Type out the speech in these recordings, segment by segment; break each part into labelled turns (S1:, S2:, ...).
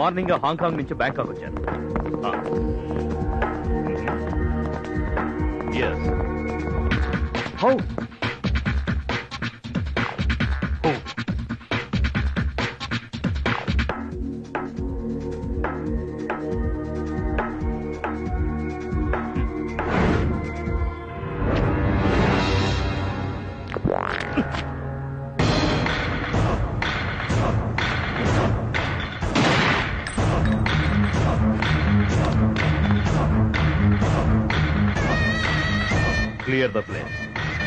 S1: Morning Hong Kong నుంచి Bangkok వచ్చాను. How Clear the place.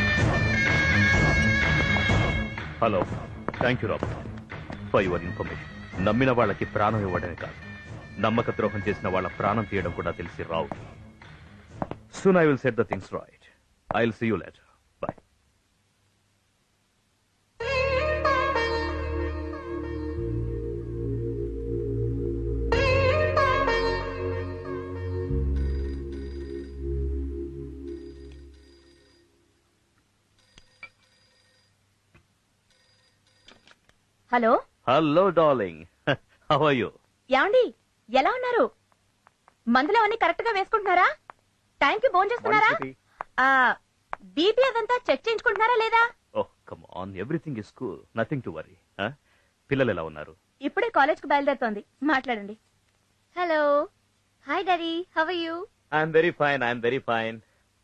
S1: Hello. Thank you, Robert, for your information. నమ్మిన వాళ్ళకి ప్రాణం ఇవ్వడమే కాదు, నమ్మక ద్రోహం చేసిన వాళ్ళ ప్రాణం తీయడం కూడా తెలిసి రావు. Soon I will set the things right. I'll see you later. Bye.
S2: Hello.
S1: Hello darling, how are you?
S2: యాండి, ఎలా ఉన్నారు? మందులు అవన్నీ కరెక్ట్ గా వేసుకుంటున్నారా? టైంకి భోజనం చేస్తున్నారా? బీపీ అదంతా చెక్ చేయించుకుంటున్నారా లేదా?
S1: Oh come on, everything is cool, nothing to worry. పిల్లలు ఎలా ఉన్నారు?
S2: ఇప్పుడే కాలేజ్ కు బయలుదేరుతోంది, మాట్లాడండి. Hello. Hi daddy, how are you?
S1: I'm very fine.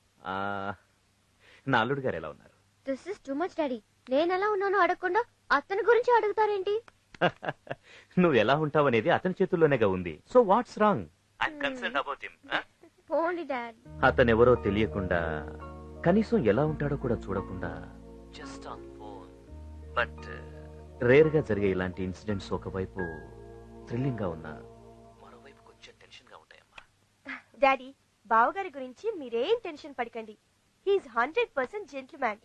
S1: నా అల్లుడు గారు ఎలా ఉన్నారు?
S2: This is too much daddy. నేను ఎలా ఉన్నానో అడగకుండా అతని గురించి అడుగుతారేంటి?
S1: నువ్వు ఎలా ఉంటావనేది అతని చేతుల్లోనేగా ఉంది. So what's wrong? I'm concerned about him.
S2: పోండి డాడ్.
S1: అతనెవరో తెలియకుండా, కనీసం ఎలా ఉంటాడో కూడా చూడకుండా, just on phone. But rare గా జరిగే ఇలాంటి ఇన్సిడెంట్స్ ఒకవైపు థ్రిల్లింగ్ గా ఉన్నా, మరోవైపు కొంచెం టెన్షన్ గా ఉంటాయమ్మా.
S2: డాడీ, బావగారి గురించి మీరేం టెన్షన్ పడకండి. He's 100% gentleman.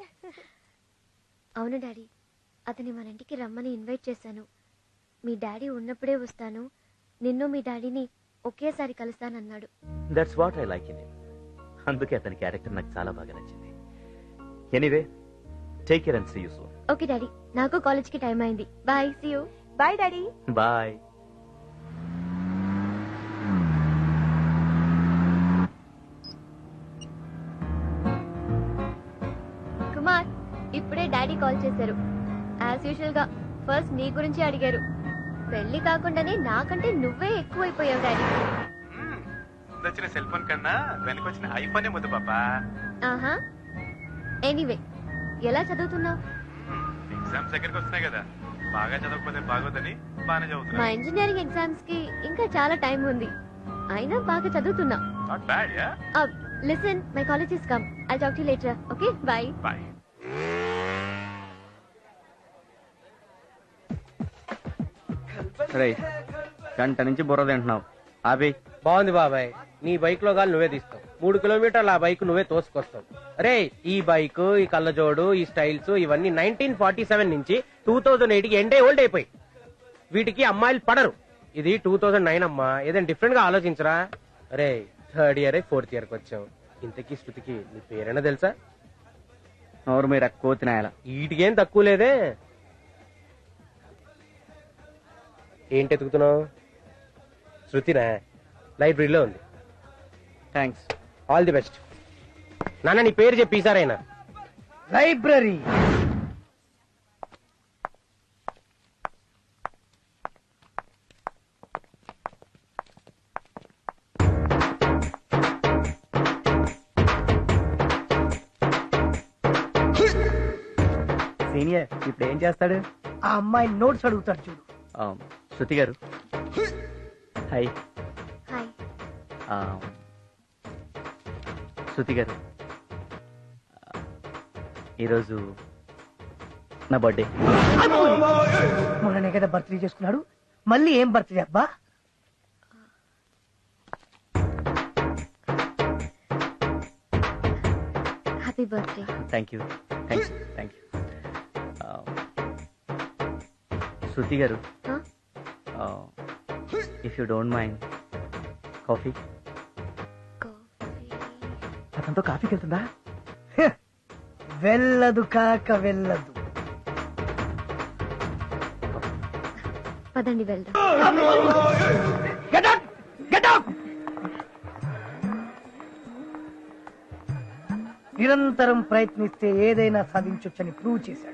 S2: అవును డాడీ, అతని మన ఇంటికి రమ్మని ఇన్వైట్ చేశాను. మీ డాడీ ఉన్నప్పుడే వస్తాను, నిన్ను మీ డాడీని ఒకేసారి కలుస్తానన్నాడు.
S1: That's what I like in him. అందుకే అతని క్యారెక్టర్ నాకు చాలా బాగా నచ్చింది. Anyway, take care and see you soon.
S2: Okay daddy, నాకు కాలేజ్ కి టైం అయింది. Bye, see you. Bye daddy.
S1: Bye.
S2: Kumar, ఇప్పుడే డాడీ కాల్ చేశారు. యాజ్ యూజువల్ గా ఫస్ట్ నీ గురించి అడిగారు. పెళ్లి కాకుండానే నాకంటే నువ్వే ఎక్కువైపోయావు డాడీ.
S3: వచ్చిన సెల్ ఫోన్ కన్నా వెనకొచ్చిన ఐఫోనే ముద్దు పాపా.
S2: ఆహా. ఎనీవే, ఎలా చదువుతున్నావు?
S3: ఎగ్జామ్స్ దగ్గరికి వస్తున్నాయి కదా, బాగా చదవకపోతే బాగోదని బాగానే
S2: మా
S3: చదువుతున్నా.
S2: ఇంజనీరింగ్ ఎగ్జామ్స్ కి ఇంకా చాలా టైం ఉంది, అయినా బాగా చదువుతున్నా.
S3: Not bad ya.
S2: Listen, my college is come. I'll talk to you later. Okay, bye.
S3: Bye.
S4: రేయ్, గంట నుంచి బుర్ర తింటున్నావు, ఆపి.
S5: బాగుంది బాబాయ్, నీ బైక్ లో గాలి నువ్వే తీస్తావు. 3 కిలోమీటర్లు ఆ బైక్ నువ్వే తోసుకొస్తావు. అరే, ఈ బైక్, ఈ కళ్ళజోడు, ఈ స్టైల్స్ ఇవన్నీ 1947 నుంచి 2008 కి ఎండే ఓల్డ్ అయిపోయి. వీటికి అమ్మాయిలు పడరు. ఇది 2009 అమ్మా, ఏదైనా డిఫరెంట్ గా ఆలోచించరా. అరే, 3rd ఇయర్ 4th ఇయర్ కి వచ్చావు. ఇంతకీ శృతికి నీ పేరైనా తెలుసా?
S4: నోరు మీరు ఎక్కువ తినాయాల.
S5: వీటికేం తక్కువ లేదే. ఏంటి ఎతుకుతున్నావు? శృతినా? లైబ్రరీలో ఉంది.
S4: థ్యాంక్స్.
S5: All the best. నాన్న, నీ పేరు చెప్పి ఈసారైనా.
S6: లైబ్రరీ.
S4: సీనియర్ ఇప్పుడు ఏం చేస్తాడు?
S6: ఆ అమ్మాయి నోట్స్ అడుగుతాడు చూడు.
S1: శృతి గారు, హాయ్.
S2: హాయ్.
S1: శృతి గారు, ఈరోజు నా బర్త్డే.
S6: మొన్ననే కదా బర్త్డే చేసుకున్నాడు, మళ్ళీ ఏం బర్త్డే అబ్బా?
S2: Happy birthday.
S1: Thank you. Shruti garu, if you don't mind, coffee.
S6: అతనితో కాఫీకి వెళ్తుందా? వెళ్ళదు కాక వెళ్ళదు.
S2: పదండి వెళ్దాం.
S6: నిరంతరం ప్రయత్నిస్తే ఏదైనా సాధించొచ్చని ప్రూవ్ చేశాడు.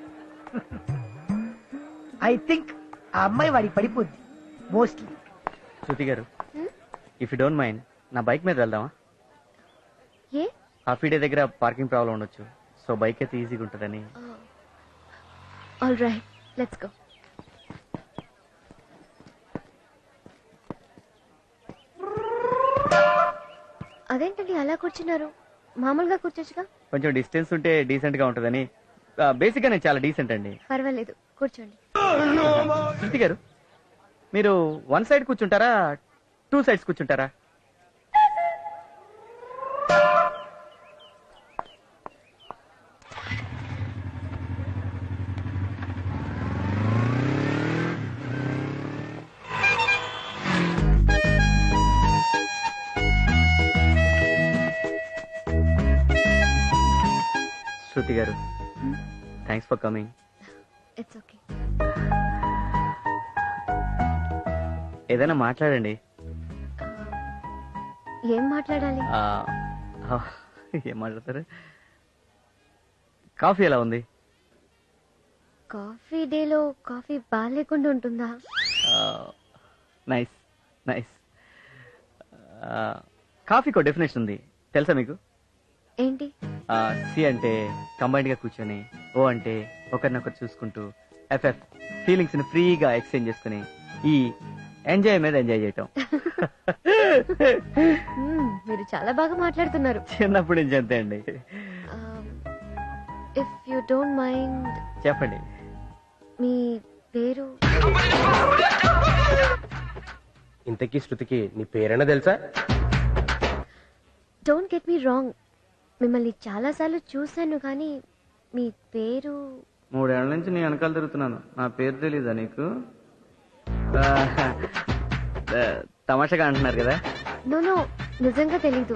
S6: ఐ థింక్ ఆ అమ్మాయి వాడికి పడిపోద్ది mostly.
S4: Shruti garu, if you don't mind నా బైక్ మీద వెళ్దామా?
S2: ఏ?
S4: హాఫీ డే దగ్గర పార్కింగ్ ప్రాబ్లం ఉండొచ్చు, సో బైక్ అయితే ఈజీగా ఉంటుందని.
S2: All right, let's go. అదేంటండి అలా కూర్చున్నారు? మామూలుగా కూర్చోచ్చుగా.
S4: కొంచెం డిస్టెన్స్ ఉంటే డీసెంట్ గా ఉంటుందని. బేసిక్ గా నేను చాలా డీసెంట్ అండి.
S2: పర్వాలేదు, కూర్చోండి.
S4: శృతి గారు, మీరు వన్ సైడ్ కూర్చుంటారా, టూ సైడ్స్ కూర్చుంటారా? Shruti garu, thanks for coming.
S2: It's okay.
S4: ఏదైనా మాట్లాడండి.
S2: ఏం మాట్లాడాలి?
S4: ఏం మాట్లాడతారు? కాఫీ ఎలా ఉంది?
S2: కాఫీ డేలో కాఫీ బాగాలేకుండా ఉంటుందా?
S4: Nice nice. కాఫీకో డెఫినేషన్ ఉంది, తెలుసా మీకు?
S2: ఏంటి?
S4: సి అంటే కంబైన్డ్ గా కూర్చొని, ఓ అంటే ఒకరినొకరు చూసుకుంటూ, ఎఫ్ఎఫ్ ఫీలింగ్స్ ని ఫ్రీగా ఎక్స్చేంజ్ చేసుకుని, ఈ ఎంజాయ్ మీద ఎంజాయ్ చేయటం.
S2: మీరు చాలా బాగా మాట్లాడుతున్నారు.
S4: చిన్నప్పటి నుంచి అంతే అండి.
S2: ఇఫ్ యు డోంట్ మైండ్
S4: చెప్పండి.
S2: మీ పేరు?
S5: ఇంతకీ శృతికి నీ పేరైనా తెలుసా?
S2: డోంట్ గెట్ మీ రాంగ్, మిమ్మల్ని చాలా సార్లు చూశాను కానీ మీ పేరు?
S4: 3 ఏళ్ల నుంచి నీ వెనకాల తిరుగుతున్నాను, నా పేరు తెలీదా నీకు? తమాషగా అంటున్నారు కదా.
S2: నో, నిజంగా తెలీదు.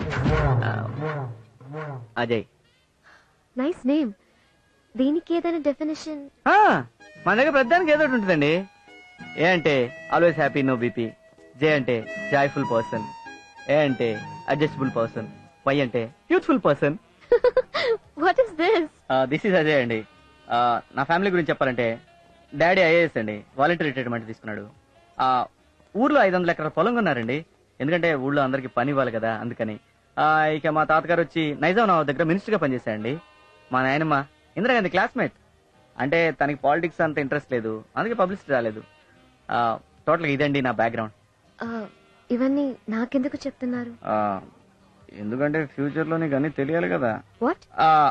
S4: అజయ్.
S2: Nice name. దీనికి ఏదైనా డెఫినేషన్?
S4: మన దగ్గర ప్రతిదానికి ఏదో ఒకటి ఉంటుందండి. ఏ అంటే always happy, no BP. J అంటే జాయ్ఫుల్ పర్సన్. ఏ అంటే అడ్జస్టబుల్ పర్సన్. వై అంటే youthful person.
S2: What is this?
S4: This is Ajay అండి. నా ఫ్యామిలీ గురించి చెప్పాలంటే, డాడీ ఐఏఎస్ అండి, వాలంటీర్ రిటైర్మెంట్ తీసుకున్నాడు. ఊర్లో 500 ఎకరాల పొలం కొన్నారండి, ఎందుకంటే ఊళ్ళో అందరికి పని ఇవ్వాలి కదా, అందుకని. ఇక మా తాతగారు వచ్చి నైజాం నవాబ్ దగ్గర మినిస్టర్ గా పనిచేశారండి. మా నాయనమ్మ ఇందిరాగాంధీ క్లాస్మేట్, అంటే తనకి పాలిటిక్స్ అంత ఇంట్రెస్ట్ లేదు, అందుకే పబ్లిసిటీ రాలేదు. టోటల్ గా ఇదండి నా బ్యాక్గ్రౌండ్.
S2: ఇవన్నీ నాకెందుకు చెప్తున్నారు?
S4: ఎందుకంటే ఫ్యూచర్ లో నీకు అన్ని తెలియాలి కదా.
S2: What?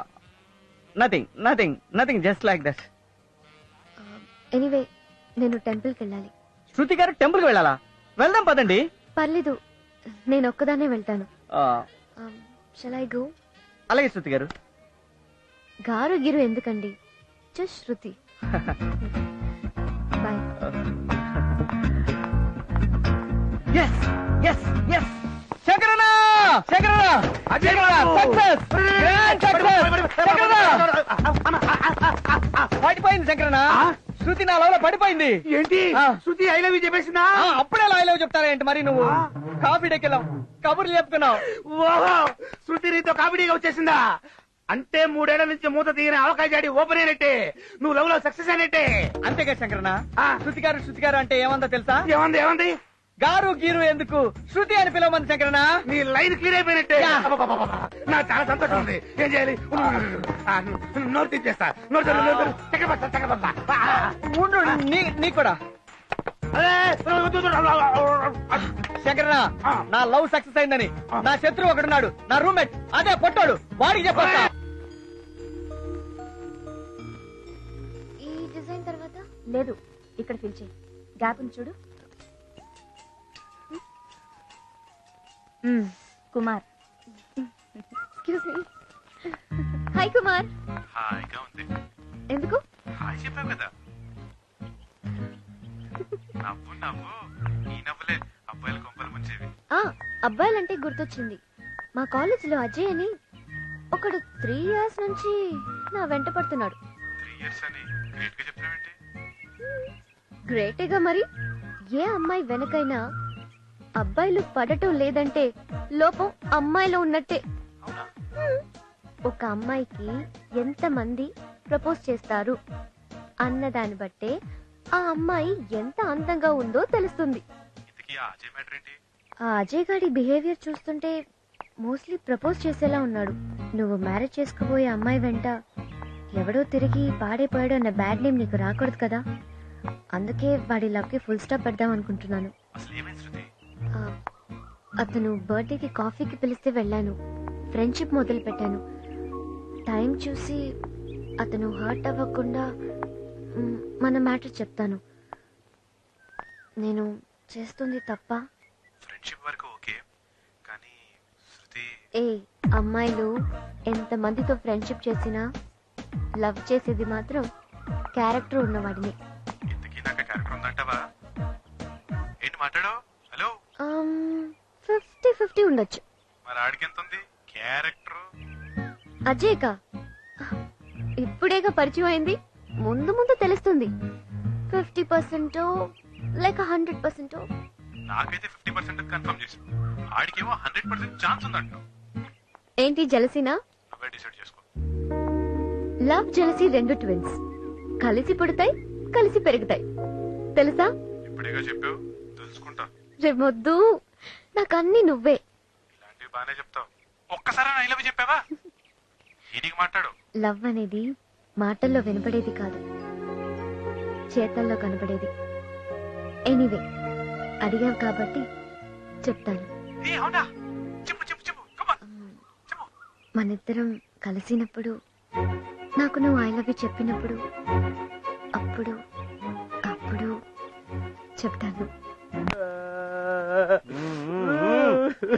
S4: Nothing just like that.
S2: Anyway, నేను టెంపుల్కి వెళ్ళాలి.
S4: శృతి గారు టెంపుల్ కి వెళ్ళాలా? వెళ్దాం పదండి.
S2: పర్లేదు, నేను ఒక్కదాన్నే వెళ్తాను. Shall I go?
S4: అలాగే శృతి గారు.
S2: గారు గిరు ఎందుకండి, జస్ట్ శృతి. బాయ్.
S4: పడిపోయింది శంకరన్న, శృతి నా లవ్ లో పడిపోయింది.
S6: ఏంటి? శృతి ఐ లవ్ యూ చెప్పేసిందా?
S4: అప్పుడే ఐ లవ్ చెప్తారా ఏంటి మరి నువ్వు? కాఫీ డెక్కెళ్ళాం, కబుర్లు చెప్పుకున్నావు.
S6: ఓహో, శృతి నీతో కామెడీగా వచ్చేసిందా? అంటే 3 ఏళ్ల నుంచి మూత తీయని అవకాశాడి ఓపెన్ అయినట్టే, నువ్వు లవ్ లో సక్సెస్ అయినట్టే.
S4: అంతేగా శంకరన్న. శృతి గారు అంటే ఏమందో తెలుసా?
S6: ఏమంది?
S4: గారు గీరు ఎందుకు, శృతి అని పిలవమంది శంకరన్న.
S6: నీ లైన్ క్లియర్ అయిపోయినట్టే. నాకు చాలా సంతోషం ఉంది. ఏం చేయాలి? నోరు తీసేస్తా.
S4: నీకు కూడా శంకరన్న, నా లవ్ సక్సెస్ అయిందని నా శత్రువు ఒకడున్నాడు, నా రూమ్మేట్, అదే పొట్టాడు, వాడికి చెప్పొస్తా.
S2: ఈ డిజైన్ తర్వాత
S7: లేదు, ఇక్కడ ఫిల్ చేయి. గ్యాప్ ఉంది చూడు. Kumar.
S2: Excuse me. Hi Kumar.
S3: హాయిగా ఉంది.
S2: ఎందుకు?
S3: హాయ్ చెప్పావు కదా. నవ్వు ఈ నవ్వులే అబ్బాయిల కొంపలు ముంచేవి.
S2: అబ్బాయిలంటే గుర్తొచ్చింది, మా కాలేజ్ లో అజయ్ అని ఒకడు 3 years నుంచి నా వెంట పడుతున్నాడు.
S3: 3 years అని గ్రేట్ గా చెప్తున్నావేంటి?
S2: గ్రేటేగా మరి. ఏ అమ్మాయి వెనకైనా అబ్బాయిలు పడటం లేదంటే లోపం అమ్మాయిలో ఉన్నట్టే. ఒక అమ్మాయికి ఎంతమంది ప్రపోజ్ చేస్తారు అన్నదాన్ని బట్టే ఆ అమ్మాయి ఎంత అందంగా ఉందో తెలుస్తుంది. ఆ అజయ్ గాడి బిహేవియర్ చూస్తుంటే మోస్ట్లీ ప్రపోజ్ చేసేలా ఉన్నాడు. నువ్వు మ్యారేజ్ చేసుకోబోయే అమ్మాయి వెంట ఎవడో తిరిగి పాడైపోయాడు అన్న బ్యాడ్ నేమ్ నీకు రాకూడదు కదా. అందుకే వాడి లవ్ కి ఫుల్ స్టాప్ పెడదాం అనుకుంటున్నాను. అతను బర్త్డేకి కాఫీకి పిలిస్తే వెళ్ళాను. ఫ్రెండ్షిప్ మొదలు పెట్టాను. టైం చూసి అతను హర్ట్ అవ్వకుండా మన మ్యాటర్ చెప్తాను. నేను చేస్తుంది తప్ప?
S3: ఫ్రెండ్షిప్ వరకు ఓకే, కానీ శృతి
S2: ఏ అమ్మాయిలు ఎంత మందితో ఫ్రెండ్షిప్ చేసినా లవ్ చేసేది మాత్రం క్యారెక్టర్ ఉన్నవాడిని.
S3: ఇంతకీ నాకు క్యారెక్టర్ ఉందంటావా? ఏంటి మాట్లాడో? హలో
S2: 50-50 ఉండొచ్చు.
S3: మరి ఆడికి ఎంత ఉంది క్యారెక్టర్?
S2: అజయ్కా ఇప్పుడేగా పరిచయం అయింది, ముందు ముందు తెలుస్తుంది. 50% లేక 100%.
S3: నాకైతే 50% కన్ఫర్మ్ చేసి, ఆడికేమో 100% ఛాన్స్ ఉందంట.
S2: ఏంటి జలసీనా?
S3: నువ్వే డిసైడ్ చేసుకో.
S2: లవ్ జలసీ రెండు ట్విన్స్, కలిసి పుడతాయి కలిసి పెరుగుతాయి. తెలుసా?
S3: ఇప్పుడేగా చెప్పావు, తెలుసుకుంటా.
S2: రేమొద్దు, నాకన్నీ నువ్వే.
S3: ఇలాంటివి బానే చెప్తావు. ఒక్కసారి ఐ లవ్ చెప్పావా? ఈయనకి మాట్లాడు.
S2: లవ్ అనేది మాటల్లో వినపడేది కాదు, చేతల్లో కనపడేది. ఎనీవే, అడిగావు కాబట్టి చెప్తాను.
S3: ఏ అవునా? చెప్పు చెప్పు చెప్పు. Come on. చెప్పు.
S2: మనిద్దరం కలిసినప్పుడు, నాకు నువ్వు ఐ లవ్ యూ చెప్పినప్పుడు, అప్పుడు చెప్తాను.